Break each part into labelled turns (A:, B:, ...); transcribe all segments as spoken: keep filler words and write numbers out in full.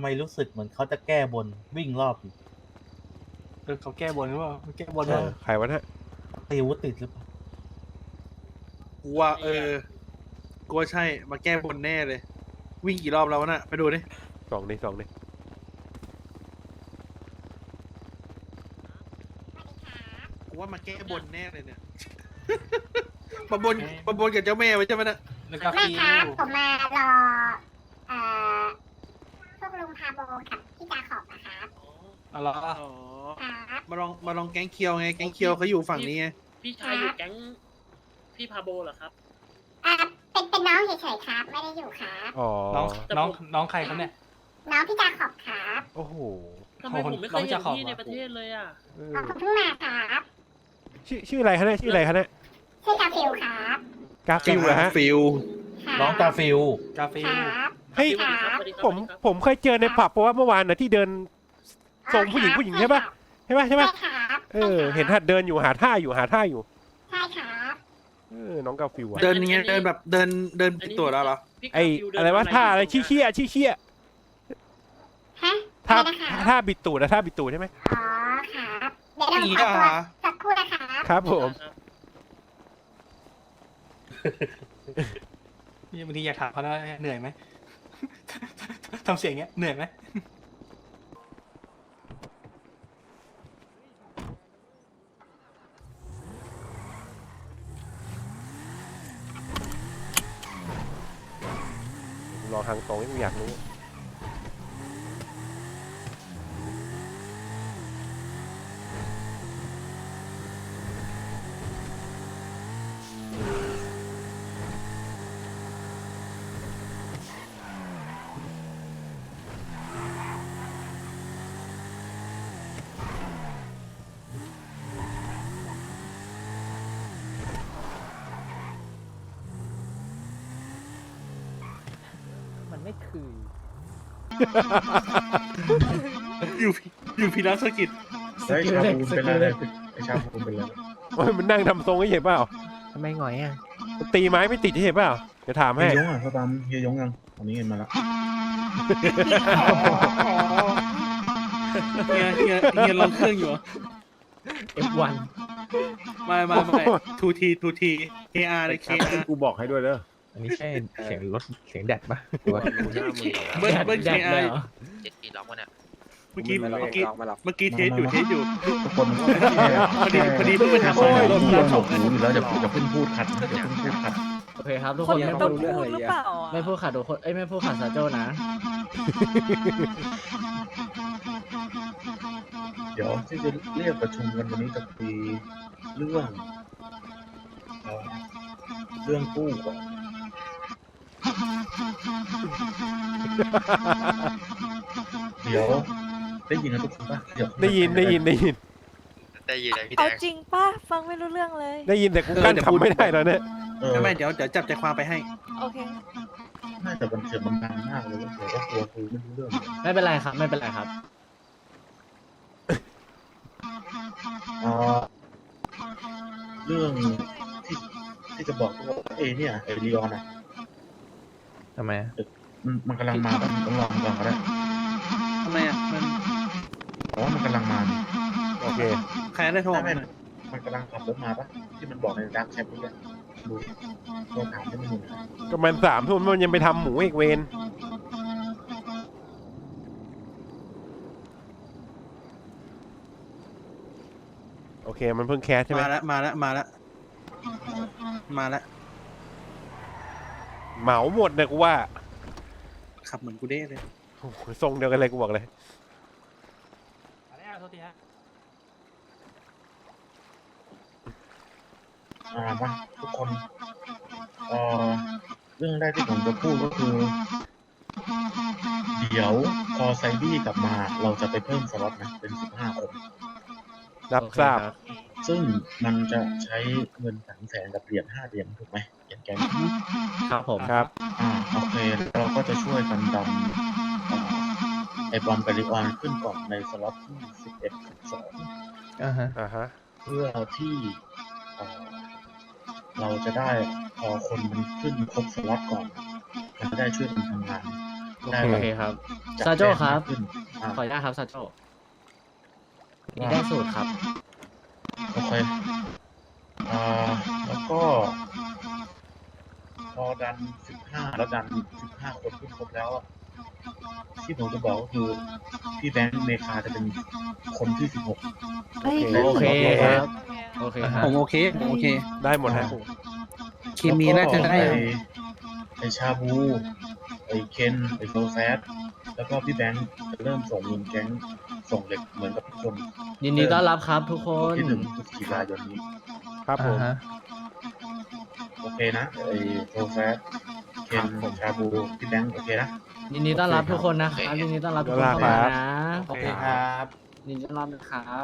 A: ไมรู้สึกเหมือนเขาจะแก้บนวิ่งรอบอยู่
B: เออเขาแก้บนหรือเปล่าแก้บน
C: เออใครวะเนี่ย
A: ตีวุติดหรือเปล่า
D: กูว่าเออกูว่าใช่มาแก้บนแน่เลย วิ่งกี่รอบแล้ววะน่ะไปดูดิ
C: สองนี่สองนี่
D: กูว่ามาแก้บนแน่เลยเนี่ย มาบนมาบนกับเจ้าแม่ไว้ใช่ไหมน่ะ
B: แล้วก็
E: ไม่
B: ฟิ
E: ครับ
B: ว
E: ผมมารอเอ่อพวกลุงพาโบกับพี่จาขอบนะครับ
B: เอาละ
D: อ๋อ
E: ครับ
D: มาลองมาลองแก๊งเคียวไงแก๊งเคียวเขาอยู่ฝั่งนี้ไง
F: พี่ชายอยู่แก๊งพี่พาโบเหรอครับ
E: อ่าเป็นเป็นน้องเฉยๆครับ ไม่ได้อยู่ครับ
C: อ๋อ
B: น้องน้องน้องใครครับเนี่ย
E: น้องพี่จาขอบครับ
C: โอ้โห
F: ทำไมผมไม่เคยเห็นพี่ในประเทศเลยอ่ะ
C: เออ
E: อ๋อผมเพิ่งมาครับ
C: ชื่อชื่ออะไรคะเนี่ยชื่ออะไรคะเนี่ย
E: ชื่อกาฟิลครับ
C: กาฟิลเหรอฮะ
D: ฟิล
E: ครับ
A: น้องกาฟิล
B: กาฟิ
E: คว รับ
C: เฮ้ย
F: สวัสดีครับสวัสดีครับ
C: ผม
F: สวัสดีครับ
C: ผมเคยเจอในผับเพราะว่าเมื่อวานนะที่เดินทรงผู้หญิงผู้หญิงใช่ปะใช่ปะใช่
E: ใช่
C: ปะ
E: ครับ
C: เออเห็นหัดเดินอยู่หาท่าอยู่หาท่าอยู่
E: ใช่ครับ
C: เออน้องกาฟิลอะ
D: เดินยังไงเดินแบบเดินเดินผิดตัวแล้วเหรอ
F: พี่
C: ไอ
F: คาฟิลเดิน
C: อะไรวะ
F: มา
C: ท่าอะไร
F: ยู่
C: ชี้เชี่ยชี้เชี่ย
E: ฮะ
C: ท่า
E: อะไรนะคะ
C: ท่าบิดตูดนะท่าบิดตูดใช่ไหม
E: อ๋อครับเดี๋ยวเรา
D: อีก
E: ขอ
D: อ่ะ
E: ตัวสักครู่นะครับ
C: ครับผม
F: ครับ
B: บางทีอยากถามเขาว่าเหนื่อยไหม ทำเสียงเงี้ยเหนื่อยไหม
C: รอทางตรงที่กูอยากรู้มันไม่คือ
D: อยู่อยู่พีนัสกิจ
G: เฮ้ยชาบูเป็นอะไรไอชาบูเป็นอะไร
C: โอ้ยมันนั่งทำทรงไม่เห็นเปล่า
G: ทำไมหงอยอ่ะ
C: มันตีไม้ไม่ติดเห็นเปล่าเดี๋ยวถาม
G: เฮี
C: ให้
G: ยยงอ่ะเขาตามเฮียยงยังตอนนี้เงินมาแล้ว
D: เฮียเฮียเฮียลองเครื่องอยู่เหรอ
G: เอฟวัน
D: ไม่ไม่ไม่ทูทีทูทีเคอาร์เลยเคอาร์
G: กูบอกให้ด้วยเด้อ
H: อันนี้ใช่เสียงรถเสียงแดดปะ
D: เบิ้ลเบิ้ลเคอาร์
F: เจ็ดปีล็อกวะเนี่ย
D: เมื่อกี้เมื่อกี้เมื่อกี้เทสอยู่เทสอยู่
G: ทุกคนมันก็
D: พอดีพอดีเพิ่งไปทำ
G: โอ้
D: มาย
G: รถเราสองหูอยู่แล้วจะจะเพิ่งพูดขัดนะจะเพิ่งพูดขัด
I: โอเคครับทุก
H: ค
I: คน น
H: มัน
I: ไม่
H: ต้
I: พู
H: อง
I: ด
H: พูดหรือเปล่า
I: ไม่พูดขาดทุกคนเอ้ยไม่พูดขาดซาโจ้นะ
G: เดี๋ยวที่จะเรียกประชุมกันวันนี้จะคุยเรื่องเอ่อเรื่องกู้ก่อนเดี๋ยวได้ยินนะทุกคนปะเดี๋ยว
C: ได้ยินได้ยินได้ยิน
F: ได้ยินเลยพี่แด
J: เอา
F: ง
J: จริงป่ะ ฟังไม่รู้เรื่องเลย
C: ได้ยินแต่กูกั้นทำไม่ได้แล้วเนี่ย
G: เออ
D: ไม่ไม่เดี๋ยวเดี๋ยวจับใจความไปให้
J: โอเค
G: น่าจะบันเทิงมันดังมากเลยว่าเดี๋ยวก็กลัวคุยไม่รู้เรื่องเลย
I: ไม่เป็นไรครับไม่เป็นไรครับ
G: เอ่อเรื่องที่ที่จะบอกว่าเอเนี่ยไอรีออนอ่ะ
H: ทำไม
G: มันมันกำลังมาปะต้องลองก่อนก็ได้
D: ทำไมอ่ะมัน
G: เพราะว่ามันกำลังมานี่
C: โอเค
D: ใครได้โทร
G: ไม่
D: มา
G: ไม่มันกำลังขับรถมาปะที่มันบอกในดักแชทนี่แหละดูโทรถามไม่ได้ยินนะ
C: ก็มันสามทุ่มมันยังไปทำหมูอีกเวนโอเคมันเพิ่งแคสใช่ไหม
D: มาแล้วมาแล้วมาแล้วมาแล้ว
C: เหมาหมดเนี่ยกูว่า
D: ขับเหมือนกูเด้เลย
C: โอ้โหทรงเดียวกันเลยกูบอกเลย
B: มาแล้วโทษทีฮะ
G: อ่ามาทุกคนเอ่อเรื่องแรกที่ผมจะพูดก็คือ เดี๋ยวพอไซดี้กลับมา เราจะไปเพิ่มสล็อตนะเป็นสิบห้าคน
C: รับทราบ
G: ซึ่งมันจะใช้เงินสามแสนกับเหรียญห้าเหรียญถูกไหมเหรียญแกน
I: ครับผม
C: ครับ
G: อ่าโอเคเราก็จะช่วยกันดันอ่าไอบอมเบริออนขึ้นก่อนในสล็อตที่สิบเอ็ดสิบสอง
H: อ่าฮะ
C: อ่าฮะ
G: เพื่อที่เอ่อเราจะได้พอคนมันขึ้นครบสล็อตก่อนมันจะได้ช่วยกันทำงานได้
I: โอ
G: แบบ
I: เคครับ
G: จัด
I: ซาโจครับ
G: แจ้งมากขึ้นอ่ะ
I: ขออนุญาตครับซาโจนี่ได้สูตรครับ
G: โอเคอ่าแล้วก็ พอดันสิบห้าแล้วดันสิบห้าคนขึ้นครบแล้วอะที่ผมจะบอกก็คือพี่แบงค์เมคาจะเป็นคนที่สิบหก
J: เฮ้ย
I: โอเคครับ โอเคครับ
D: ผมโอเคผมโอเค
C: ได้หมดฮะ
D: เคมีน่าจะได้
G: ไอ้ไอชาบูไอเคนไอโซแซดแล้วก็พี่แบงค์จะเริ่มส่งเงินแก๊งส่งเหล็กเหมือนกับทุกคน
I: ยินดีต้อนรับครับทุกคน
G: ที่หนึ่งพฤศจิกายนนี้
C: ครับผม
H: อ่าฮะ
G: โอเคนะไอโซแซดเคนชาบูพี่แบงค์โอเคนะ
I: ยินดีต้อนรับทุกคนนะครับยินดีต้อนรับทุกคนเข้ามานะ
B: โอเคครับ
I: ยินดีต้อนรับนะครับ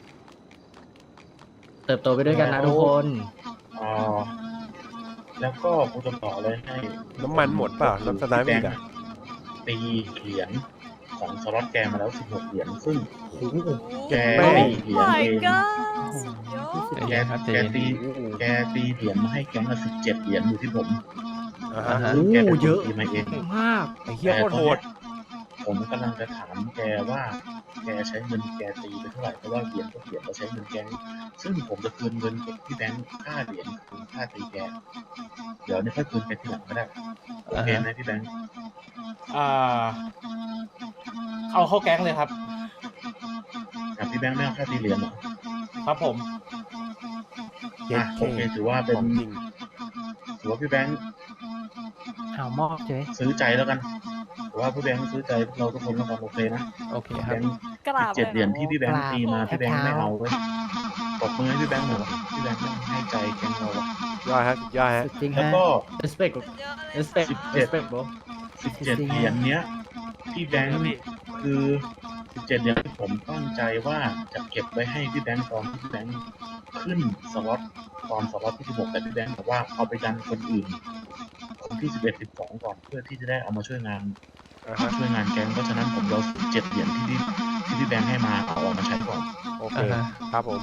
I: เติบโตไปด้วยกันนะทุกคน
G: อ๋อแล้วก็กูจะต่อเลยให้
C: น้ำมันหมดเปล่าน้ำสไนป์มีอีกอ่ะ
G: ตีเหรียญของสล็อตแกมาแล้วสิบหกเหรียญซึ่งแก
C: ไม่
G: ตีเหรียญ
J: my
G: เอง
J: god สุดยอด
H: ใจ
G: แก
H: เย็นครับใจ
G: แก
H: เย็น
G: ตีแกตีเหรียญมาให้แก๊งละสิบเจ็ดเหรียญอยู่ที่ผม
C: อ่า
H: อ่า
C: ฮะ
H: ฮะ
G: แกเป็น
I: เย
G: คน
I: อะ
G: ตีมาเอง
I: มาก
C: ไอ้เหี้ยโคตรโหด
G: ผมกำลังจะถามแกว่าแกใช้เงินแกตีไปเท่าไหร่เพราะว่าเหรียญทุกเหรียญเราใช้เงินแกงซึ่งผมจะคืนเงินกับพี่แบงค์ค่าเหรียญคืนค่าตีแกเดี๋ยวนี่ค่อยคืนแกทีหลังก็ได้โอเคไหมพี่แบงค์
B: อ่า เอาเข้าแก๊งเลยครับ
G: อ่ะพี่แบงค์ไม่เอาค่าตีเหรียญเหรอ
B: ครับผม
C: เจ็ด
G: อ่ะ
C: เค
G: โอเคถือว่าเป็น
C: ของจริง
G: ถือว่าพี่แบงค์
I: เอามอบเจ๊
G: ซื้อใจแล้วกันถือว่าพี่แบงค์ซื้อใจพวกเราทุกคนแล้วกันโอเคนะ
H: โอเคค
G: แบ
H: รับ
G: งค์
J: กราบ
G: เจ็ดเหรียญ
J: ล
G: ที่พี่แบงค์ตีมาพี่แบงค์ไม่เอาเว้ยปรบมือให้พี่แบงค์หน่อยพี่แบงค์ให้ใจแก๊งเราอะ
C: ยอดฮะสุดยอดฮะ
I: จริง
G: แล้ว
I: ฮะ
G: ก็
I: respect
J: สุดยอดเลย
I: respect
G: สิบเจ็ด
I: respect bro
G: สิบเจ็ดเหรียญเนี้ยพี่แบงค์คือสิบเจ็ดเหรียญที่ผมตั้งใจว่าจะเก็บไว้ให้พี่แบงค์ตอนที่พี่แบงค์ขึ้นสล็อตตอนสล็อตที่สิบหกแต่พี่แบงค์บอกว่าเอาไปดันคนอื่นคนที่สิบเอ็ดสิบสองก่อนเพื่อที่จะได้เอามาช่วยงาน
C: อ่าฮะ
G: ช่วยงานแก๊งเพราะฉะนั้นผมเราสิบเจ็ดเหรียญที่พี่ที่พี่แบงค์ให้มาเอาออกมาใช้ก่อน
C: โอเค
H: อ่าฮะ
C: ครับผม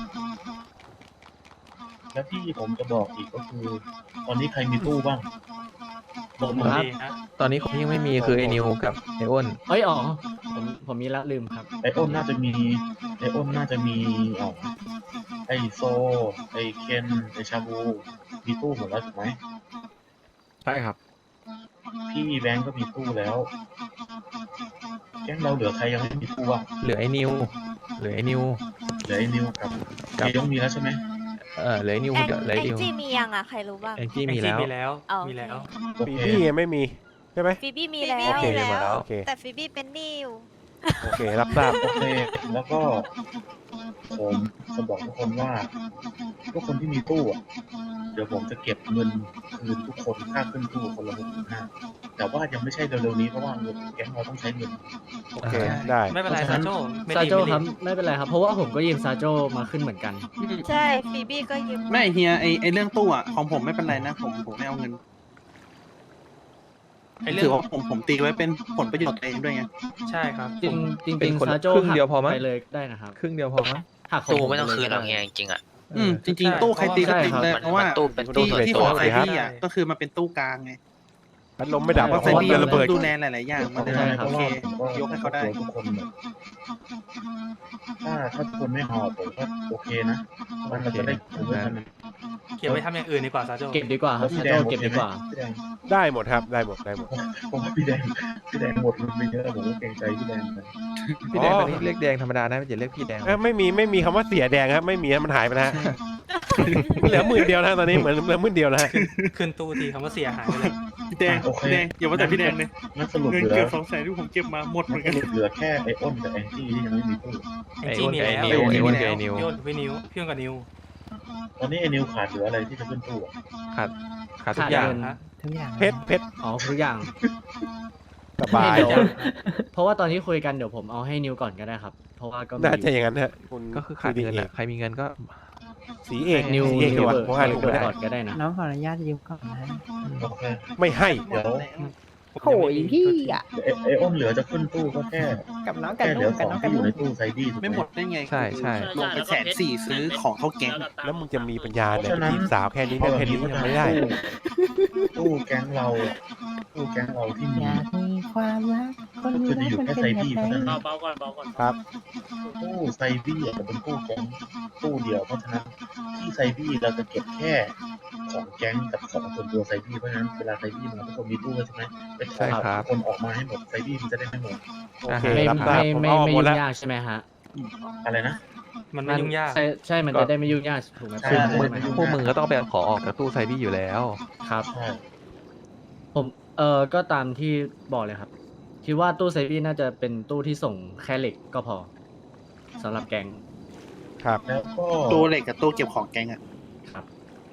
G: แล้วที่ผมจะบอกอีกก็คือ ตอนนี้ใครมีตู้บ้างบอก
B: ผม
G: มา
B: ดีฮะ
H: ตอนนี้คนที่ยังไม่มีคือไอ้นิวกับไอ้อ้น
I: เอ้ยอ๋อผมผมมีละลืมครับ
G: ไออ้นน่าจะมีไออ้นน่าจะมีอ๋อไอโซไอเคนไอชาบูมีตู้หมดแล้วถูกไหม
H: ใช่ครับ
G: พี่แบงก์ก็มีตู้แล้ว แก๊งเราเหลือใครยังไม่มีตู้อ่ะ
H: เหลือไอ้นิว เหลือไอ้นิว
G: เหลือไอนิวกับ
H: กับ
G: ไอยงมีแล้วใช่ไหม
H: เออเหลือไอ้นิว
J: แอง
H: กับเหลือ
J: แอ
H: ไอ้
J: ง
H: นิว
J: จี้มียังอ่ะ ใครรู้บ้าง
H: แองจี้มีแล้ว
B: มีแล้ว
J: อ๋อ
B: มีแล้ว
G: โอ
C: ปี
G: เค
C: บี้ยังไม่มีใช่ไหม
J: ฟิบี้มี
E: ฟี
J: แล้ว
E: บี้มี
C: โอเค
E: แล้ว
C: โอเค
E: แต่ฟีบี้เป็นหนี้อยู่
C: โอเครับทราบ
G: โอเค แล้วก็ผมจะบอกทุกคนว่าทุกคนที่มีตู้อ่ะ เดี๋ยวผมจะเก็บเงินคืนทุกคนค่าขึ้นตู้คนละหกพันห้าแต่ว่ายังไม่ใช่เร็วๆนี้เพราะว่าเงินแก๊งเราต้องใช้เงิน
C: โอเคได้
B: ไม่เป็นไร
G: เพราะฉะนั้
B: ซาน โจไม่
I: ซา
B: ดี
I: โจ
B: ไม่
I: ค
B: ดี
I: รับไม่เป็นไรครับ เพราะว่าผมก็ยืมซาโจมาขึ้นเหมือนกัน
J: ใช่ฟีบี้ก็ยืม
D: ไม่เฮียไอไอเรื่องตู้อ่ะของผมไม่เป็นไรนะผมผมไม่เอาเงิน
B: ไอ้เรื่อ
D: ถือง ว่าผมผมตีไว้เป็นผลประโยชน์ตัวเองด้วยไง
B: ใช่ครับ
I: จริงจริง
H: เป็น
I: ๆ
H: คนละ
I: ซาโจ
H: ครึ่งเดียวพอมั้ย
I: ไปเลยได้นะครับ
H: ครึ่งเดียวพอมั้ย
I: หักของ
F: ตู้
I: ผ
F: ไม่ต้อง
I: ปล
F: คืนหรอก
I: ได้
F: เฮียจริงๆอ่ะ
D: อืมจริงๆ ตู้ใครตีก็ตีเลยเพราะว่า
F: มันตู้เป็น
D: ที่
F: ตู้ส่วน
D: ที่
F: ตั
D: ข
F: ว
D: องไซบี้อ่ะก็คือมันเป็นตู้กลางไง
C: พัดลมไม่ดับ
D: เพราะ
C: เพ
D: ไซ
C: ราะว่า
D: บี้
C: เรือระเบิด
D: ดูแลหลายๆอย่างมันเลย
I: ใช่ครับ
D: โอเค
G: ผมก็
D: ยกให้เขาได้
G: ทุกคนเลยถ้าถ้าทุกคนไม่หอบผมก็โอเคนะมันเราจะได้ผมด้วยกันนะ
B: เก็บไว้ทำอย่างอื่นดีกว่าซาโจ
I: เก็บดีกว่าครับ
G: พี่
I: ซา
G: แด
I: โจ
G: ง
I: เก็บดีกว่า
G: พี่แดง
C: ได้หมดครับได้หมดได้หมด
G: ผมว่าพี่แดงพี่แดงหมดเงินไปเยอะผมก็เกรงใจพี่แดงเหมือนกัน
H: พี่แดงตอนนี้เรียกแดงธรรมดานะไม่จะเรียกพี่แดง
C: เอ้ยไม่มีไม่มีคำว่าเสียแดงครับไม่มีมันหายไปแล้วฮะเหลือหมื่นเดียวนะตอนนี้เหมือนเหลือหมื่นเดียวแล้วฮะ
B: ขึ้นตู้ทีคำว่าเสียหายไปเลย
D: พี่แดงพี่แดงอย่าว่าแต่พี่แดงเลย
G: งั้นสรุป
D: เงิน
G: เหลือ
D: เกือบสองแสนที่ผมเก็บมาหมดเหมือน
G: ส
D: กัน
G: รุปเหลือแค่ไออ้นกับแองจี้ที่ยังไม่มีตู้
B: แองจี้มีแล้ว
H: ไอ้อ้วนกับไอ้นิวไอ้อ้วนกับไอ้นิว
B: พี่อ้นกับพี่นิวพี่อ้นกับนิว
G: ตอนนี้ไอนิวขาดเหลืออะไรที่จะขึ้นตู้อะ
H: ขาดขาดทุกอย่าง
I: ขาดเงิน
B: ฮะ
C: เพชรเพชร
I: อ๋อทุกอย่าง
C: สบาย
I: เดี๋ยวเพราะว่าตอนที่คุยกันเดี๋ยวผมเอาให้นิวก่อนก็ได้ครับ เพราะว่าก็มี
C: น่าจะอย่างนั้นฮะคุณ
H: ก็คือขาดเงินแหละใครมีเงินก็
C: สีเอก
I: นิว
C: สีเอก
I: นิ
C: ดี
I: ว
C: กว่า
I: เบิร์
C: เพราะว่า
I: นิ
C: ลู
I: ว
C: ก
I: เบิ
C: ไม่
I: ร์
C: ได้
I: ก่อนก็ได้นะ
K: น้องขออนุญาตยืมก่อนนะ
G: โอเค
C: ไม่ให้
G: เดี๋ยว
K: โหยพี่อ่ะ
G: ไอไออ้นเหลือจะขึ้นตู้ก็แค่
K: กับน้องกัน
G: แค่เหลื
K: นุ่
G: อง
K: กั
G: ข
K: บ
G: อง
K: น้องกั
G: ที่
K: น
G: อยู่
K: นุ่
G: ใน
K: ง
G: ตู้ไซดี้ถูก
D: ไม่
G: ไห
D: ห
G: ม
D: มดได้ไง
H: ใช่ใช่
D: ลงไปแสนสี่ซื้อของเท่าแก๊ง
C: แล้วมึงจะมีปัญญาเนี่ยไปจีบสาวแค่นี้เรื่องแค่นี้ยังไม่ได้
G: ตู้แก๊งเราอะตู้แก๊งเราที่มี
K: อยากมีความรักคน
G: ก็
K: มี
G: คือจะ
K: รัก
G: อยู่
K: มัน
G: แค่
K: เป็น
G: ไซ
K: แบบ
G: บี้
K: ไหน
G: เท่านั้น
F: เบาเบาก่อนเบาก่อน
C: ครับ
G: ตู้ไซบี้อาจจะเป็นตู้แก๊งตู้เดียวเพราะฉะนั้นที่ไซบี้เราจะเก็บแค่ของแก๊งกับของส่วนตัวไซบี้เพราะฉะนั้นเวลาไซบี้มาทุกคนมีตู้ใช่ไหมไปขอ
H: ใช่ครับ
G: คนออกมาให้หมดไซบี้มันจะได้ไม่หมด
C: โอเค
I: ไม่
C: รับทรา
I: ไม่
C: บผม
I: ไม่
C: เอา
I: ไม่
C: หมด
I: ยุ่
C: แล้ว
I: งยากใช่ไหมฮะ
G: อะไรนะ
B: มันไม่ยุ่งยาก
I: ใช่ใช่มันจะได้ไม่ยุ่งยากถูกไหม
G: ใช่
H: คือ
I: ใช่
H: มึง
I: ไหม
H: พวกมึงก็ต้องไปขอออกจากตู้ไซบี้อยู่แล้ว
I: ครับ
G: ใช่
I: ผมเออก็ตามที่บอกเลยครับ คิดว่าตู้เซฟวี่น่าจะเป็นตู้ที่ส่งแค่เหล็กก็พอสำหรับแก๊ง
C: ครับ
G: แล้วก็
D: ตู้เหล็กกับตู้เก็บของแก๊งอะ
I: ครับ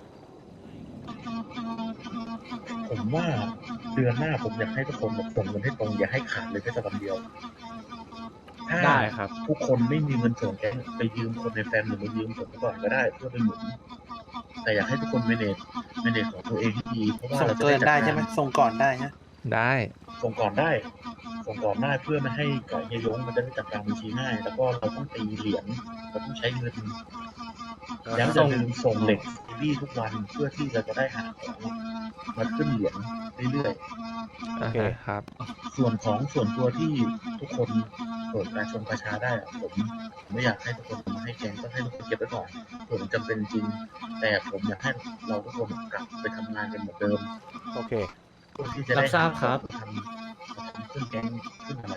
G: ผมว่าเดือนหน้าผมอยากให้ทุกคนแบบส่งเงินให้ตรงอย่าให้ขาดเลยแค่สักวันเดียวถ้า
I: ได้ครับ
G: ทุกคนไม่มีเงินส่งแก๊งไปยืมคนในแฟมหรือมายืมผมก่อนก็ได้เพื่อไปหมุนแต่อยากให้ทุกคนเมเนจเมเนจของตัวเองให้ดีเพราะว่า
D: ส่ง
G: เราจะ
D: เกินได้
G: จั
D: ใช่ไหมส่งก่อนได้ฮะ
H: ได้
G: ส่งก่อนได้ ส่งก่อนได้เพื่อไม่ให้เกิดเฮียยงมันจะได้จัดการบัญชีง่าย แล้วก็เราต้องตีเหรียญเราต้องใช้เงินแล้วจะลืมส่งเหล็กซีรีส์ทุกวันเพื่อที่เราจะได้หาของมาขึ้นเหรียญเรื่อยๆ
H: โอเคครับ
G: ส่วนของส่วนตัวที่ทุกคนเปิดการชมประชาได้อะผมผมไม่อยากให้ทุกคนมาให้แกงต้องให้ทุกคนเก็บไว้ก่อนส่วนจำเป็นจริง แต่ผมอยากให้เราทุกคนกลับไปทำงานกันเหมือนเดิม
C: โอเค
G: เพื่อที่จะได้
I: รับทราบครับ
G: ทำทำขึ้นแกงขึ้นอะไร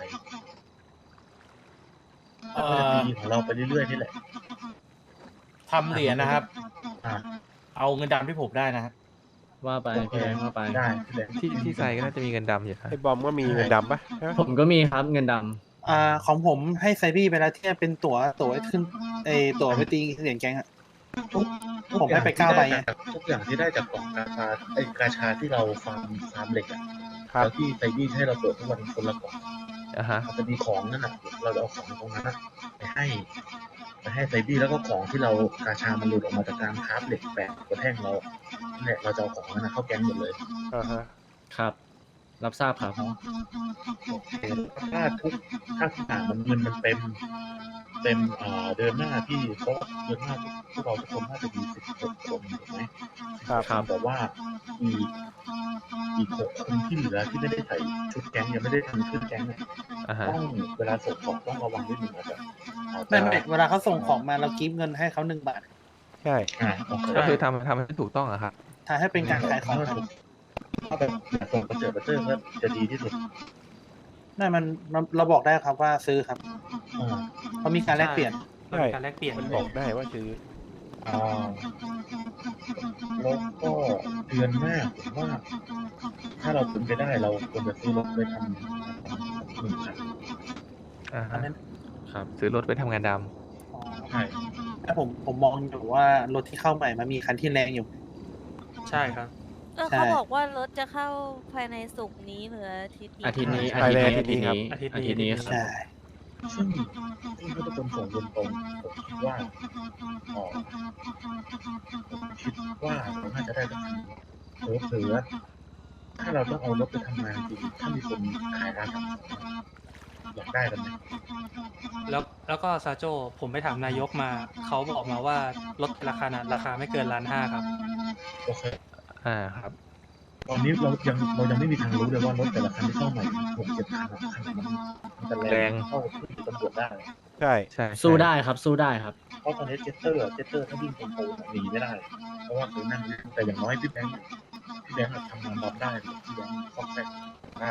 A: เอ่
G: ก็จะ
A: อ
G: ดีของเราไปเรื่อยๆนี่แหละ
A: ทำเหรียญนะครับ
G: อ่า
A: เอาเงินดำที่ผมได้นะฮะ
I: ว่าไปพี่แบงค์ว่าไป
G: ได้พี่แบงค์
H: ที่ที่ไซก็น่าจะมีเงินดำอยู่นะ
C: ไอ้บอมก็มีเงินดำปะใช่ไหม
I: ผมก็มีครับเงินดำ
D: อ่าของผมให้ไซบี้ไปแล้วที่เป็นตั๋วตั๋วไว้ขึ้นไอตั๋วไปตีเหรียญแก๊งอะ
G: ทุกทุ
D: ผมให้ไป
G: อย่งที่
D: เก้าใบ
G: ด้จากทุกอย่างที่ได้จากกล่องกาชาไอ้กาชาที่เราฟาร์มฟาร์มเหล็กอะ
C: ครับ
G: แล้วที่ไซบี้ให้เราเปิดทุกวันคนละกล่อง
H: อ่ะฮะ
G: มันจะมีของนั่นน่ะ เราจะเอาของตรงนั้นน่ะไปให้ไปให้ไซบี้แล้วก็ของที่เรากาชามันหลุดออกมาจากการคราฟเหล็กแปะกระแท่งเราเนี่ยเราจะเอาของนั้นนะเข้าแก๊งหมดเลย
C: อ่าฮะ
I: ครับ รับทราบครับ
G: โอเคถ้าทุกถ้าทุกอย่างมันเงินมันเต็ม เต็มอ่าเดือนหน้าที่เพราะเดือนหน้าพวกเราทุกคนน่าจะมีสิบหกคนถูกไหม
C: ครับ
I: ครับ
G: แต่ว่าอีกอีกหกคนที่เหลือที่ไม่ได้ใส่ชุดแก๊งยังไม่ได้ทำชุดแก๊งเนี่ย
H: อ่ะฮะ
G: ต้องเวลาส่งของต้องระวังนิดนึงอาจจะอาจจะ
D: ไม่ไม่เวลาเขาส่งของมาเรากิฟต์เงินให้เขาหนึ่งบาท
C: ใช่
G: อ่าโอเค
H: ก็คือทำทำให้ถูกต้องอะครับ
D: ถ้าให้เป็นการขายของครับ
G: ถ้าแบบส่งประเจิดประเจิดก็จะดีที่สุด
D: นั่นมันมันเราบอกได้ครับว่าซื้อครับ
G: อ่า
D: เพราะมีการแลกเปลี่ยน
B: มันมีการแลกเปลี่ยน
C: มันบอกได้ว่าซื้อ
G: อ่าแล้วก็เดือนหน้าผมว่า ถ้าเราเป็นไปได้เราควรจะซื้อรถไปทำหนึ่งคัน
H: อ่า
D: อัน
H: ฮะ
D: นั้น
I: ครับ
H: ซื้อรถไปทำงานด
G: ใช่
D: ถ้าผมผมมองอยู่ว่ารถที่เข้าใหม่มันมีคันที่แรงอยู่
B: ใช่ครับ
J: เออ
D: ใช่
J: เขาบอกว่ารถจะเข้าภายในศุกร์นี้หรืออาทิตย์นี้
I: อาทิตย์นี้
C: ไป
I: อาทิต
C: เลย
I: ย์นี้
C: อา
I: อา
C: ทิ
I: ทิ
C: ต
I: ต
C: ย์นี้
I: ย์นี้ครับ
D: ใช่
G: ซึ่งซึ่งถ้าทุกคนส่งเงินตรงผมคิดว่าเอ่อผมคิดว่าเราน่าจะได้สักทีเผื่อเผื่อถ้าเราต้องเอารถไปทำงานจริงถ้ามีคนขายร้านทำอยากได้กันไหม
B: แล้วแล้วก็ซาโจผมไปถามนายกมา เขาบอกมาว่ารถแต่ละคันอะราคาไม่เกินล้านห้าครับ
G: โอเค
H: ำอ่าครับ
G: ตอนนี้เรายังเรายังไม่มีทางรู้เลยว่ารถแต่ละคันที่เข้าใหม่หกเจ็ดคันอะคันไหนมันมันจะแร
H: แรง ง
G: เข้าที่ตำรวจได้
C: ใช่
H: ใช่
I: สู้ได้ครับ สู้ได้ครับ
G: เพราะตอนนี้เจสเตอร์เจสเตอร์ถ้าวิ่งตรงๆหนีไม่ได้ เพราะว่าเคยนั่งแต่อย่างน้อยพี่แบงค์พี่แบงค์อะทำงานรับได้พี่แบงค์ซอกแซกได้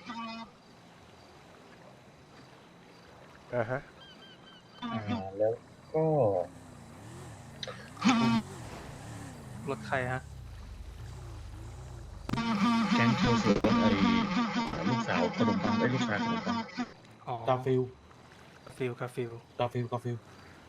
C: อ่าฮะ
G: อ่าแล้วก็
B: รถใครฮะ
G: แก๊งโชว์เสือไอ้ลูกสาวขนมปังไอ้ลูกชายขนมปัง
B: อ๋อก
A: าฟิล
B: ฟิลกาฟิล
A: กาฟิลกาฟิล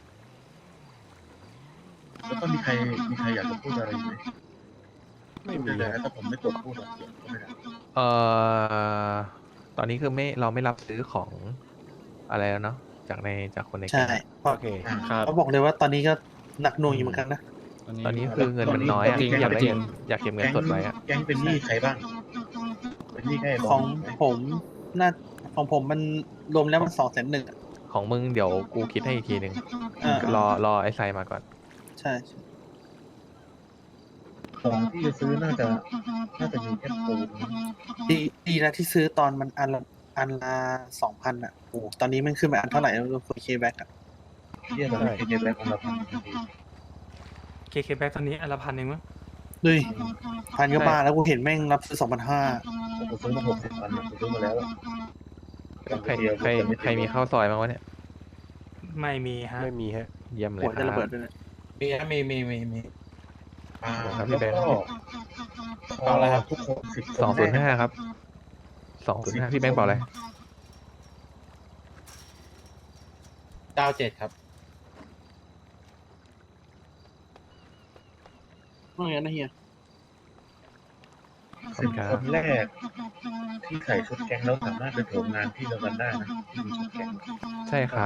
G: แล้วก็มีใครมีใครอยากจะพูดอะไรไหม
C: ไม่มี
G: พูดเลย
C: นะ
G: นะถ้าผมไม่กดพูดหรอกเสียงก็ไม่ได้
H: เอ่อตอนนี้คือไม่เราไม่รับซื้อของอะไรแล้วเนาะจากในจากคนใน
D: ใช่
H: แก๊ง
D: เพราะ
C: โอเค
G: อ่า
I: ครับ
D: เขาบอกเลยว่าตอนนี้ก็หนักหน่วงอยู่เหมือนกันนะ
H: ตอนนี้คือเงินมันน้อยอะ
I: จริง
H: อยากได้
I: จริง
H: เงินอยากเก็บเงินสดไว้อะ
G: แก๊งเป็นหนี้ใครบ้าง เป็นหนี้แค่ไบ
D: ของ
G: ไหม
D: ผมน่าของผมมันรวมแล้วมันสองแสนหนึ่ง
H: ของมึงเดี๋ยวกูคิดให้อีกทีหนึ่ง
D: อ่าร
H: อรอไอ้ไซมาก่อน
D: ใช่
G: ของที่จะซื้อน่าจะน่าจะมีแค่ปูนมั้ง
D: ดีดีนะที่ซื้อตอนมันอันละอันละสองพันอ่ะโอ้ตอนนี้มันขึ้นไปอันเท่าไหร่แล้วโฟเคแบ็กอ่ะ
G: เรียกอะไรเคแบ็กของเราพันทันที
B: เคเคแบ็กตอนนี้อันละพันเองมั้ง
D: ด้วยพันก็บ้าแล้วกูเห็นแม่งรับซื้อสองพันห้า
G: ผมซื้อมาหกสิบพันผมซื้อมาแล้วอะ
H: ใครใครใครมีข้าวซอยบ้างวะเนี่ย
B: ไม่มีฮะ
C: ไม่มีฮะ
H: เยี่ยมเลย
D: หัว
H: ค
D: จะ
H: รั
D: ระ
H: บ
D: เบิดด้วยนะ
A: มีนะมีมีมีมี
G: อ่า
H: ครับพี่
G: แล้ว
H: แบงค์
G: ก็
A: เอาอะไรครับ
G: ทุกคนสิบ
H: สองศูนย์ห้าครับสองศูนย์ห้าพี่แบงค์บอกอะไร
A: เก้าเจ็ดครับ
D: ว่าไงนะเฮีย
G: สิบคนแรก ที่ใส่ชุดแก๊งแล้วสามารถไปโถมงานที่เดียวกันได้นะที่มีชุดแก๊ง
H: ใช่ครับ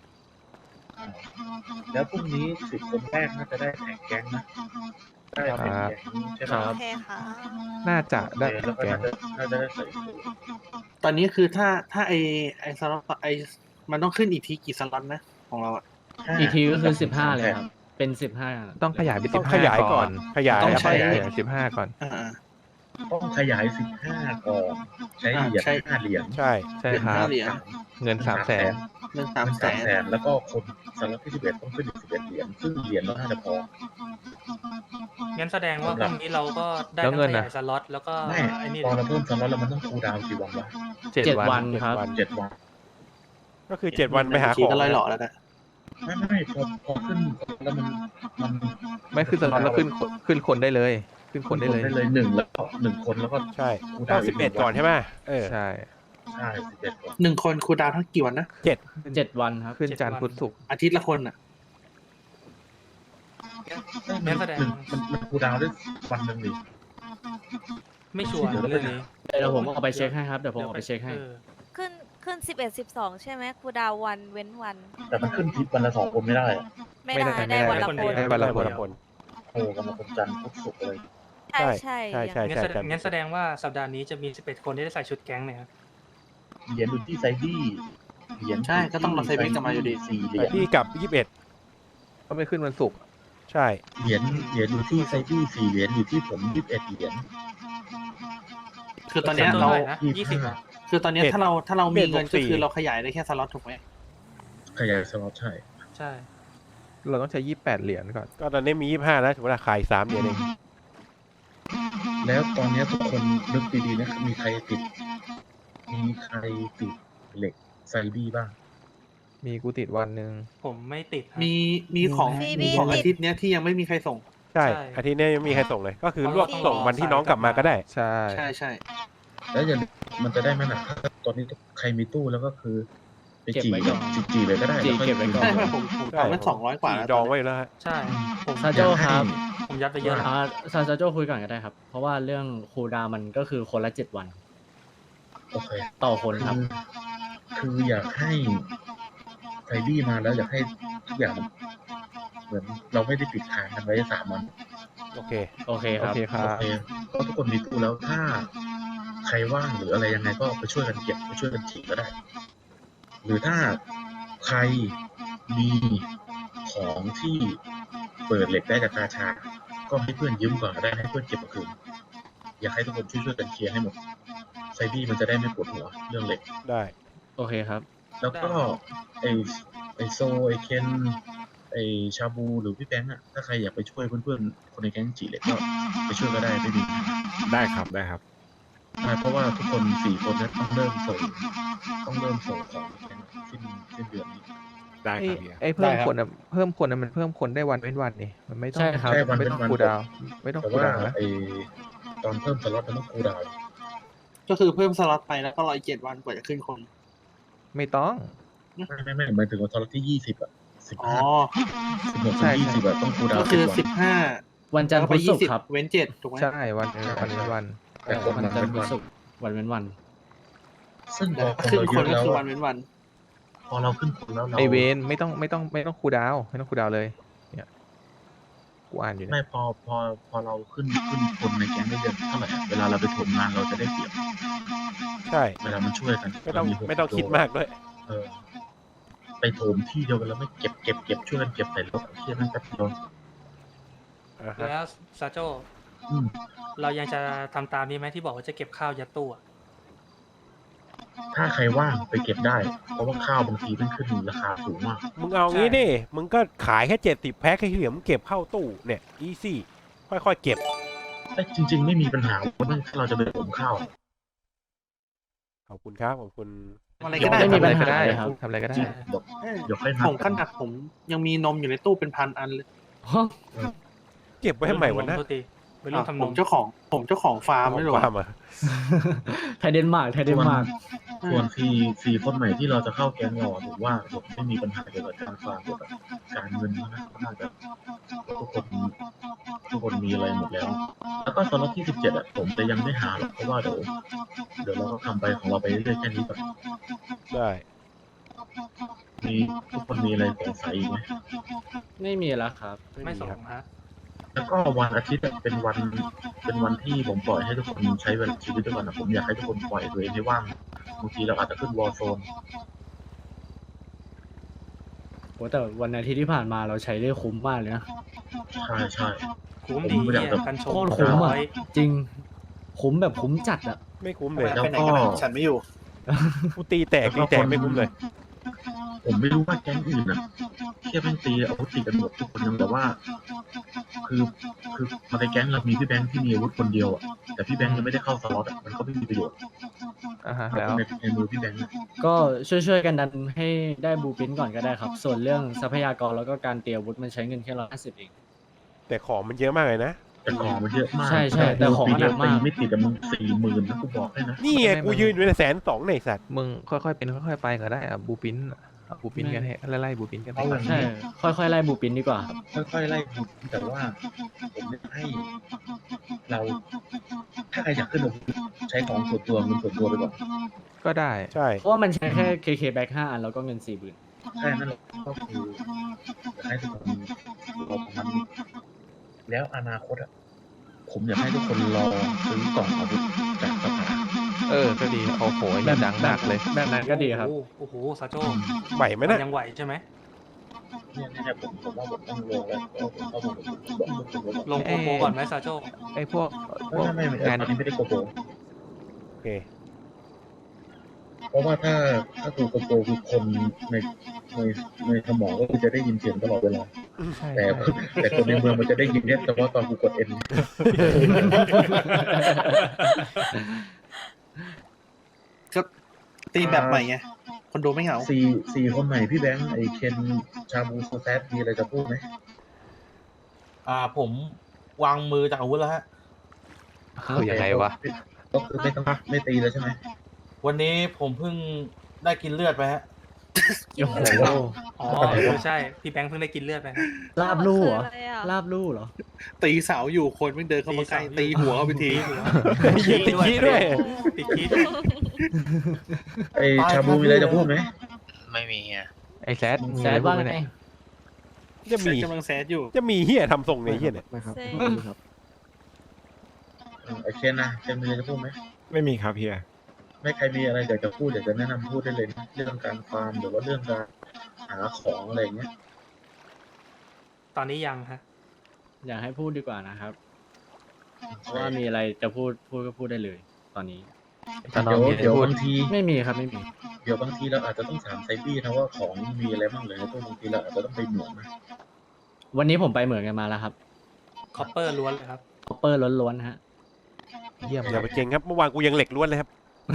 G: แล้วพรุ่งนี้สิบคนแรกน่าจะได้แท็กแก๊งนะได้เป็นแก๊งใช่ไหม
J: โอเคค่ะ
H: น่าจะได้
G: แล้วก็
H: แก
G: น่าง จะน่าจะได้ใส่สูท
D: ตอนนี้คือถ้าถ้าไอไอสล็อตไอมันต้องขึ้นอีกทีกี่สล็อตนะของเราอ่ะ
I: อีกทีก็คือสิบห้าเลยครับ เป็นสิบห้า
H: ต้องขยายไป
C: ต้
H: สิ
C: อง
H: บ
C: ข
H: ห้าย
C: ายก่
H: ก่
C: อ
H: อน น
C: ขยาย
D: ต้อง
C: ครับ
D: ใช้
C: ขยาย
H: สิบห้าก่อน
D: อ่า
G: ต้องขยายสิบห้าก่อนใช้เหรียญ
D: ใช่
G: ห้าเหรียญ
C: ใช่
H: ใช่ครับ
D: เหรียญ
H: เงินสามแสน
D: เงินสามแส
G: สาม
D: น
G: แสนแล้วก็คนสล็อตที่สิบเอ็ดต้องขึ้นอีกสิบเอ็ดเหรียญซึ่งเหรียญเราน่าจะพอ
B: งั้นแสดงว่าพรุ่งนี้เราก็ได้
H: แล้ว
B: ทั้ง
H: เงิน
B: ข
H: น่ะ
B: ยายสล็อตแล้วก็
G: ไม่
B: ไอ้นี่
G: พอ
B: เลย
G: เราเพิ่มสล็อตแล้วมันต้องคูลดาวน์กี่วันวะ
H: เจ็ด
I: เจ็ด
H: วั
I: วัน นครับ
G: เจ็ดวัน
C: ก็คือเจ็ดวันไปหา
D: ที
C: ของ
D: ก็ร้อยหล่อแล้วนะ
G: ไม่ไม่ไม่พอพอขึ้นแล้วมันมัน
H: ไม่ขึ้นสล็อตแล้วขึ้นขึ้นคนได้เลย ขึ้นคนได้เลย
G: ได้เลยหนึ่งแล้วก็หนึ่งคนแล้วก็
C: ใช่
G: คูล
C: ต้
G: ดา
C: อ
G: ว
C: ง
G: น์
C: สิบเอ็ดก่อนใช่ไหมเออ
H: ใช่
G: ใช่สิบเอ็ดก่อน
D: หนึ่งคนครูดาวทั้งกี่วันนะ
C: เจ็ด
I: เจ็ดวันครับ
H: ขึ้นจันทร์พุธศุกร์
D: อาทิตย์ละคนอ่ะ
B: งั้นแสดง
G: หนึ่งมันมันคูลดาวน์ได้วันหนึ่งดิ
B: ไม่ชัวร์เรื่องนี้
I: เดี๋ยวผมเอาไปเช็คให้ครับ เดี๋ยวผมเอาไปเช็คให้
B: ออ
J: ขึ้นขึ้นสิบเอ็ดสิบสองใช่ไหมครูดาววันเว้นวัน
G: แต่มันขึ้นทิปวันละสองคนไม่ได้อะ
J: ไม่ได้ได้วันละคน
H: ได้วันละคน
C: คน
G: โอ้วันละคนจันทร์พุธศุกร์เลย
J: ใช่ใช่
C: ใช่ใช่
B: งั้นแสดงงั้นแสดงว่าสัปดาห์นี้จะมีสิบเอ็ดคนที่ได้ใส่ชุดแก๊งเนี่ยครับ
G: เหรียญอยู่ที่ไซดี้เหรียญ
D: ใช่ก็ต้องมาไซบี้กลับมาอยู่ดี
G: สี่เหรียญ
C: พี่กับยี่สิบเอ็ด
H: ก็ไม่ขึ้นวันศุกร์
C: ใช่
G: เหรียญเหรียญอยู่ที่ไซดี้สี่เหรียญอยู่ที่ผมยี่สิบเอ็ดเหรียญ
D: คือตอนเนี้ย
B: ตัว
D: เรา
B: เท่าไหร่นะยี่สิบอ่ะ
D: คือตอนเนี้ยถ้าเราถ้าเรามีเงินก็คือเราขยายได้แค่สล็อตถูกไหม
G: ขยายสล็อตใช่
B: ใช่
H: เราต้องใช้ยี่สิบแปดเหรียญก่อน
C: ก็ตอนนี้มียี่สิบห้าแล้วถือว่าขายสามเดือนเอง
G: แล้วตอนนี้ทุกคนนึกดีๆนะมีใครติด มีใครติดเหล็กไซบี้บ้าง
H: มีกูติดวันหนึ่ง
B: ผมไม่ติดครับ
D: มีมีของ
J: มี
D: มี
J: มี
D: ของ
J: ติด
D: อาทิตย์เนี้ยที่ยังไม่มีใครส่ง
C: ใช่
B: ใช่
C: อาทิตย์นี้ยังไม่มีใครส่งเลย ก็คือ
B: เพราะ
C: ลวก
B: ว่า
C: ส่งวันที่น้องกลับมาก็ได้
H: ใช่
D: ใช่ใช่
G: แล้วอย่ามันจะได้ไหมนะถ้าตอนนี้ใครมีตู้แล้วก็คือไป
I: เก็บ
G: จี
I: ไว้
G: กั
I: ก่
G: บ
I: อน
G: จีจีเลยก็ได้
I: จี
G: แล้วค่อย
I: เก็บไว้ก่อน
D: ใช่ไหมผมผมทำไว้สองร้อยกว่า
C: สี่
D: แล้ว
C: ดองไว้อยู่แล้วฮะ
B: ใช่ผม
I: ซาโจ้ครับ
B: ผมยัดไปเยอะแล้ว
I: อ่าซาซาโจคุยก่อนก็ได้ครับ เพราะว่าเรื่องคูลดาวน์มันก็คือคนละเจ็ดวัน
G: โอเค
I: ต่อคนครับ
G: คือคืออยากให้ไซบี้มาแล้วอยากให้ทุกอย่างมันเหมือนเราไม่ได้ปิดทางกันไว้สามวัน
C: โอเค
I: โอเคค
H: โอ
I: รับ
H: เคครั
G: โอบ เคก็ทุกคนมีตู้แล้วถ้าใครว่างหรืออะไรยังไงก็ไปช่วยกันเก็บไปช่วยกันฉีกก็ได้ หรือถ้าใครมีของที่เปิดเหล็กได้จากกาชา ก็ให้เพื่อนยืมก่อนก็ได้ให้เพื่อนเก็บมาคืนอยากให้ทุกคนช่วยช่วยๆกันเคลียร์ให้หมดไซบี้มันจะได้ไม่ปวดหัวเรื่องเหล็ก
C: ได้
I: โอเคครับ
G: แล้วก็ไอไอโซไอเคนไอชาบูหรือพี่แบงค์อะถ้าใครอยากไปช่วยเพื่อนๆคนในแก๊งจีเหล็กก็ไปช่วยก็ได้ไม่มี
C: ได้ครับได้ครับ
G: ใช่เพราะว่าทุกคนสี่คนเนี้ต้องเริ่มส่งต้องเริ่มส่งของในแก๊งสิ้นสิ้นเดือนนี้
C: ได้
H: ไอ้
C: ครับเฮีย
H: ไอ้เพิ่มคนอะเพิ่มคนอะมันเพิ่มคนได้วันเว้นวันนี่มันไม่ต้อง
I: ใช่ครับ
G: ใช่วัน
H: ไม่
G: เป็น
H: ต้อง
G: วัน
H: คูลดาวน์ไม่ต้อง
G: แต่
H: คูล
G: ว่า
H: ดาวน์นะ
G: ไอตอนเพิ่มสล็อตมันต้องคูลดาวน์
D: ก็คือเพิ่มสล็อตไปแล้วก็รออีกเจ็ดวันกว่าจะขึ้นคน
H: ไม่ต้อง
G: ไม่ไม่ไม่หมายถึงว่าสล็อตที่ยี่สิบอะสิบ
D: อ๋อ
G: ห้าสิบหกถึงยี่สิบอะต้องคูลดาว
D: ก็
G: น์
D: คือ
G: สิ
D: สิ
G: บบ
D: ห้า
I: วันจันทร์
D: แล้ว
I: พุ
D: ไป
I: ธศุ
D: ยี่
I: ก
D: สิบ
I: ร์ครับ
D: เว้นเจ็ดถูกไหม
H: ใช่วันวันเว้นวัน
G: แต่คน
I: วัน
G: มัน
I: จันท
G: เป็
I: ร์
G: น
I: พุธ
G: วัน
I: ศุกร์วันเว้นวัน
G: ซึ่งพอคน
D: ขึ้น
G: เรา
D: ค
G: เย
D: น
G: อะ
D: ก็
G: แล้ว
D: คือวั
G: อะ
D: นเว้นวัน
G: พอเราขึ้นคนแล้วเรา
H: ไอเวนไม่ต้องไม่ต้องไม่ต้องคูลดาวน์ไม่ต้องคูลดาวน์เลยเนี่ยกูอ่านอยู่เนี่
G: ไม่
H: ย
G: พอพอพอเราขึ้นขึ้นคนในแก๊งได้เยอะเท่าไหร่อะเวลาเราไปถมงานเราจะได้เปรียบ
C: ใช่
G: เวลามันช่วยกัน
C: ไม่ต้อง
G: เราหก
C: ไม่ต้องคิด
G: โล
C: มากด้วย
G: เออไปโถมที่เดียวกันแล้วไม่เก็บเก็บเก็บช่วยกันเก็บใส่รถเที่ยนั่นแป๊บเดียว
C: อ่าฮะ
B: แล้วซาโจ้
G: อืม
B: เรายังจะทำตามนี้ไหมที่บอกว่าจะเก็บข้าวยัดตู้อะ
G: ถ้าใครว่างไปเก็บได้ เพราะว่าข้าวบางทีมันขึ้นราคาสูงมาก
C: มึงเอางี้ดิ มึงก็ขายแค่เจ็ดสิบแพ็คให้เหลือมึงเก็บเข้าตู้เนี่ย อีซี่ ค่อยๆเก็บ
G: แต่จริง ๆ ไม่มีปัญหาว่าถ้าเราจะไปผมข้าว
C: ขอบคุณครับ ขอบคุณ
D: อะไรก็ได้
I: ไม่มีปัญหา
H: ได้
I: เลยครับ
H: ทำอะไรก็ได้
G: เดี๋ยวเดี๋ยวค่อยนัด
D: ผมขนาดผมยังมีนมอยู่ในตู้เป็นพันอันเลย
C: เก็บไว้ให้ใหม่วันนั้น
B: โทษทีไปร่วมทำน
D: ผม มเจ้าของผมเจ้าของฟาร์มไม่หรอ
C: ความอ่ะ
I: ไทยเดนมาร์กไทยเดนมาร์ก
G: ส่วนฟรีฟรีคนใหม่ที่เราจะเข้าแก๊งเราผมว่าผมไม่มีปัญหาเกี่ยวกับการฟาร์มเกี่ยวกับการเงินนะน่าจะทุกคนทุกคนมีอะไรหมดแล้ว แล้วก็สล็อตที่สิบเจ็ดอ่ะผมจะยังไม่หาหรอกเพราะว่าเดี๋ยวเดี๋ยวเราก็ทำไปของเราไปเรื่อยๆแค่นี้ก่อน
C: ได้
G: มีทุกคนมีอะไรสงสัยอีกไหม
I: ไม่มีแล้วครับ
B: ไม่ส่งฮะ
G: แล้วก็วันอาทิตย์อะเป็นวันเป็นวันที่ผมปล่อยให้ทุกคนใช้เวลาชีวิตด้วยกันอะผมอยากให้ทุกคนปล่อยตัวเองให้ว่างบางทีเราอาจจะขึ้นวอลโซน
I: โหแต่วันอาทิตย์ที่ผ่านมาเราใช้ได้คุ้มมากเลยนะ
G: ใช่ใช่
B: คุ้ม
G: ผม
B: ดี
G: ไม่อยาก
B: เนี่ย
G: จะ
B: กันชม
I: โคตรคุ้ม
B: ร้
I: อ่ะ
B: อย
I: จริง คุ้มแบบคุ้มจัดอ่ะ
C: ไม่คุ้มเลย
G: แล้วก็
D: ฉันไม่อยู่
C: กูตีแตกตีแตกไม่คุ้มเลย
G: ผมไม่รู้ว่าแก๊งอื่นอ่ะแค่เป็นตีอาวุธตีกันหมดทุกคนยังแต่ว่า คือคือมาในแก๊งเรามีพี่แบงค์ที่มีอาวุธคนเดียวอ่ะแต่พี่แบงค์ยังไม่ได้เข้าสล็อตอ่ะมันก็ไม่มีประโยชน์
H: อ่าฮะ
G: ครับ
H: แล้ว
G: ในในมือพี่แบงค์อะ
I: ก็ช่วยๆกันดันให้ได้บูปินก่อนก็ได้ครับ ส่วนเรื่องทรัพยากรแล้วก็การเตรียมอาวุธมันใช้เงินแค่ร้อยห้าสิบเอง
C: แต่ของมันเยอะมากเลยนะ
G: แต่ของมันเยอะมาก
I: ใช่ใช่แต่ของมันหนักมาก
G: ตีไม่ติดแต่มึงสี่หมื่นนะกูบอกให้นะ
C: นี่ไงกูยืนอยู่ในแสนสองในสัตว์
H: มึงค่อยๆเป็นค่อยๆไปก็ได้อะบูปินเอาบูปินกันให้ไล่ๆบูปินกันไป
I: ใช่ ค่อยๆไล่บูปินดีกว่าครับ
G: ค่อยๆไล่ดูแต่ว่าผมไม่ให้เรา ถ้าใครอยากขึ้นอาวุธใช้ของส่วนตัวเงินส่วนตัวไปก่อน
H: ก็ได้
C: ใช่
I: เพราะว่ามันใช้แค่ เค เค แบ็คห้าอันแล้วก็เงินสี่หมื่น
G: แค่นั้นเราก็คืออยากให้ทุกคนรอประมาณนี้แล้วอนาคตอ่ะผมอยากให้ทุกคนรอซื้อกล่องอาวุธจากสภา
H: เออ ก็ดีโอ้โหยังดังมากเลย
I: แบบนั้นก็ดีครับ
B: โอ้โอ้โหซาโจ้
C: ไหวไหมนะ
B: ยังไหวใช่ไหม
G: เนี่ยเนี่ยผมผมว่าผมต้องลงแล้วเพราะผมเข้ามาบอกทุกคนว่า
B: ลงโกโปรก่อนไหมซาโจ้
H: ไอ้พวกพว
G: ไม่
H: ก
G: ไม่ไม่
H: งาน
G: ตอนนี้ไม่ได้โกโปร
C: โอเค
G: เพราะว่าถ้าถ้าตัวโกโปรคือคนในในในสมองก็คือจะได้ยินเสียงตลอดเวลา
H: ใช่
G: แต่
H: ใช่
G: แต่คนในเมืองมันจะได้ยินเนี่ยเฉพาะตอนกูกดเอ็น
D: ก็ตีแบบใหม่ไง คนดูไม่เหงา
G: สี่สี่คนใหม่พี่แบงค์ไอเคนชาบูโซแซดมีอะไรจะพูดไหม
A: อ่าผมวางมือจากอาวุธแล้วฮะ
H: คือยังไงวะ
G: ก็คือไม่ต้องไม่ตีแล้วใช่ไหม
A: วันนี้ผมเพิ่งได้กินเลือดไปฮะ
I: โอ้โห
B: อ๋อเออใช่ พี่แบงค์เพิ่งได้กินเลือดไปฮะ
I: ลาบลู่เหรอ
J: คืออะไรอ่ะ
I: ลาบลู่เหรอ
D: ตีเสาอยู่คนไม่เดินเข้ามาใกล้ตีหัวเข้าไปที
C: ยิงติดขี้ด้วย
B: ติดขี้ด้วย
G: ไอชาบูมีอะไรจะพูดไหม
F: ไม่มีอ่ะ
H: ไอ้แซดมี
I: แซ
H: อะไร
I: ด
H: บ้า
I: ว่าง ไง
H: เนี่ย
C: จะมี
D: กำลังแซดอยู่
C: จะมีเฮียทำทรงในเฮียเนี่ย
I: นะครับ
J: เซ็ง
I: ไม่มีครับ
G: เออไอเคนนะเคนมีอะไรจะพูดไหม
L: ไม่มีครับเฮีย
G: ไม่ใครมีอะไรอยากจะพูดอยากจะแนะนำพูดได้เลยนะเรื่องการฟาร์มหรือว่าเรื่องการหาของอะไรอย่างเงี้ย
B: ตอนนี้ยังฮะ
I: อยากให้พูดดีกว่านะครับ เพราะว่ามีอะไรจะพูดพูดก็พูดได้เลย ตอนนี้
H: ตอนน้
G: เดี๋
H: อย ง
G: ว
H: มีอะไร
G: เดี๋ยว
H: พูด
G: บางที
I: ไม่มีครับไม่มี
G: เดี๋ยวบางทีเราอาจจะต้องถามไซบี้นะว่าของมีอะไรบ้างเลยนะพวกบางทีเราอาจจะต้องไปเหมืองนะ
I: วันนี้ผมไปเหมือนกันมาแล้วครับ
B: คอปเปอร์ล้วนเลยครับ
I: คอปเปอร์ล้วนๆฮะ
H: เยี่ยม
C: อย่าไปเก่งครับ เมื่อวานกูยังเหล็กล้วนเลยครับ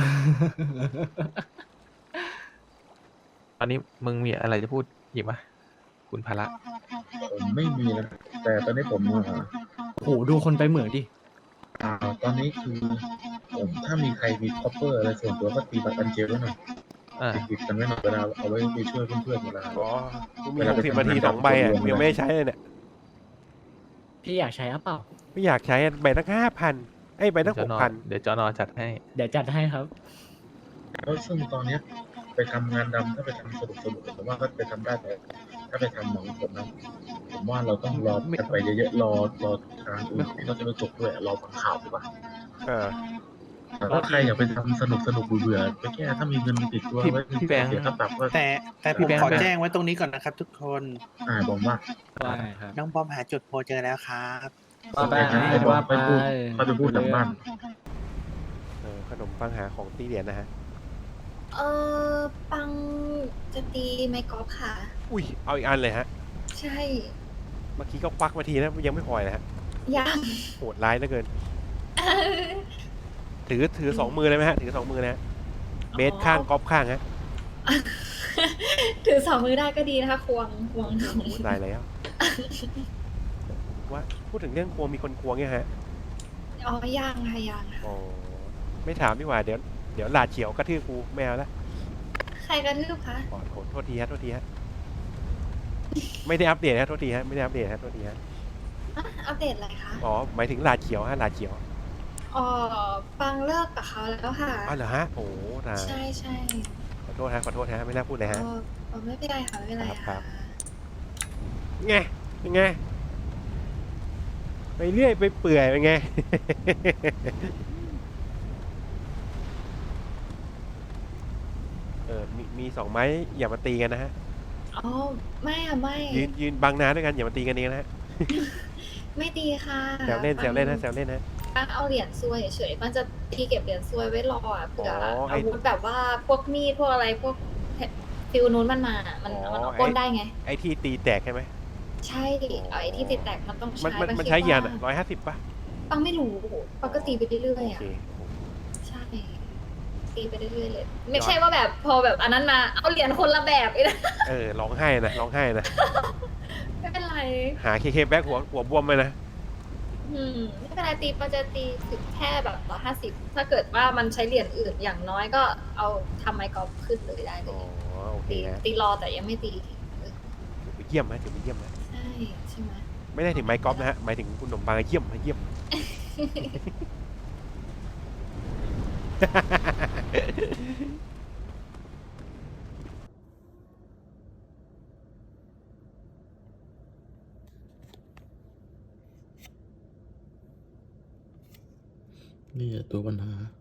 H: ตอนนี้มึงมีอะไรจะพูดหยิบมาคุณภาระ
G: ผมไม่มีนะแต่ตอนนี้ผมอ่า
I: โหดูคนไปเหมืองดิ
G: อ่าตอนนี้คือผมถ้ามีใครมีคอปเปอร์อะไรส่วนตัวก็ตีบัตรกันเจลไว้หน่อย
H: อ่า
G: ติดๆกันไว้หน่อยเวลาเอาไว้ไปช่วยเพื่อนๆเวลา
C: อ๋อกูมีหกสิบนาทีสองใบอ่ะยังไม่ได้ใช้เลยเนี่ย
I: พี่อยากใช้หรือเปล่า
C: ไม่อยากใช้ใบตั้งห้าพันไอ้ยใบตั้ง
H: จ
C: ห
H: อน
C: ก
H: อ
C: พัน
H: เดี๋ยวจอนอจัดให้
I: เดี๋ยวจัดให้ครับ
G: แล้วซึ่งตอนเนี้ยไปทำงานดำถ้าไปทำสนุกสนุกผมว่าก็ไปทำได้แต่ถ้าไปทำหนังผลนะผมว่าเราต้องรอกันไปเยอะๆรอรอทางอื่นที่เราจะไปจบด้วยรอฟังข่าวดีกว่า
C: อ่า
G: แต่ถ้าใครอยากไปทำสนุกสนุกเบื่อๆไปแค่ถ้ามีเงินติดตัว
H: พี่
G: ไว้
H: พี่แบงค์
G: เสียค่าปรับก็
D: แต่แต่ผมขอแจ้งไว้ตรงนี้ก่อนนะครับ ทุกคน
G: อ่าบอกว่า
I: ว่าไงครับ
D: น้องบอมหาจุดโพลเจอแล้วครับ
I: ว่าไป
G: ให้ให้บอ
I: ว่า
G: ส
I: ไป
G: ไปพูดเขาจะพูดหลังบ้าน
C: เออขนมปังหาของตีเหรียญนะฮะ
L: เออปังจะตีไม้กอล์ฟค่ะ
C: อุ้ยเอาอีกอันเลยฮะ
L: ใช่
C: เมื่อกี้ก็ควักมาทีนะยังไม่พอเลยฮะ
L: ยัง
C: โหดร้ายเหลือเกิน ถือถือสองมือเลยไหมฮะถือสองมือนะฮะเบสข้างกอล์ฟข้างฮะ
L: ถือสองมือได้ก็ดีนะคะควงควง
C: โอ้โหตายแล้วว่าพูดถึงเรื่องควงมีคนควงเนี่ยฮะ
L: อ๋อยังค่ะยังค่ะ
C: อ๋อไม่ถามดีกว่าเดี๋ยวเดี๋ยวหลาดเฉียวกระทืบกูไม่เอาละ
L: ใครกระทืบคะ
C: ขอโทษโทษทีฮะโทษทีฮะไม่ได้อัปเดตฮะโทษทีฮะไม่ได้อัปเดตฮะโทษทีฮะ
L: อ่ะอัปเดตอะไรคะ
C: อ๋อหมายถึงหลาดเฉียวฮะหลาดเฉียว
L: อ๋อปังเลิกกับเขาแล้วค่ะ
C: อ๋อเหรอฮะโอ้ตาย
L: ใช่ใช่
C: ขอโทษฮะขอโทษฮะไม่น่าพูดเลยฮะ
L: อ๋ออ๋อไม่เป็นไรค่ะไม่เป็นไร
C: ครั
L: ค่ะ
C: บ ไงเป็นไงไปเรื่อยไปเปื่อยเป็นไง เออมีมีสองไม้อย่ามาตีกันนะฮะ
L: อ๋อไม่อะไม่
C: ยืนยืนบังน้าด้วยกันอย่ามาตีกันเองนะฮะ
L: ไม่ตีค่ะ
C: แซวเล่นแซวเล่นนะแซวเล่นนะ
L: ปังเอาเหรียญซวยเฉยๆมันจะที่เก็บเหรียญซวยไว้รออ่ะเผื่อ
C: อ๋อไอ้
L: อาวุธแบบว่าพวกมีดพวกอะไรพวกฟิลนู้นมันมามัน
C: อ๋อ
L: มันเอา
C: ไอ้
L: ปล้นได้ไง
C: ไอ้ที่ตีแตกใช่ไหม
L: ใช่เอาไอ้ที่ติดแตกมันต้อง
C: มัน
L: ใช้
C: มัน
L: บาง
C: มัน
L: ที
C: ใช้กี่อัน
L: ว่า
C: ร้อยห้าสิบป่ะ
L: ปังไม่รู้ปังก็ตีไปเรื่อยๆ
C: โอ
L: อ่ะ
C: เค
L: ใช่ตีไปเรื่อยๆเลย ไม่ใช่ว่าแบบพอแบบอันนั้นมาเอาเหรียญคนละแบบอีกนะ
C: เออร้องไห้นะร้องไห้นะ
L: ไม่เป็นไร
C: หาเคเคแบ็กหัวหัวบวมเลยนะ
L: อืมไม่เป็นไรตีปังจะตีถึงแค่แบบร้อยห้าสิบถ้าเกิดว่ามันใช้เหรียญอื่นอย่างน้อยก็เอาทำไมกอล์ฟขึ้นเลยได้เล
C: อ๋อย โอเค
L: ตี
C: ฮะ
L: ตีรอแต่ยังไม่ตี
C: ถือไปเยี่ยมนะถือไปเยี่ยมนะ
L: ใช่ใช่ไหม
C: ไม่ได้ถึงไม้กอล์ฟนะฮะหมายถึงคุณขนมปังเยี่ยมเยี่ยม
G: นี่ตัวปัญหา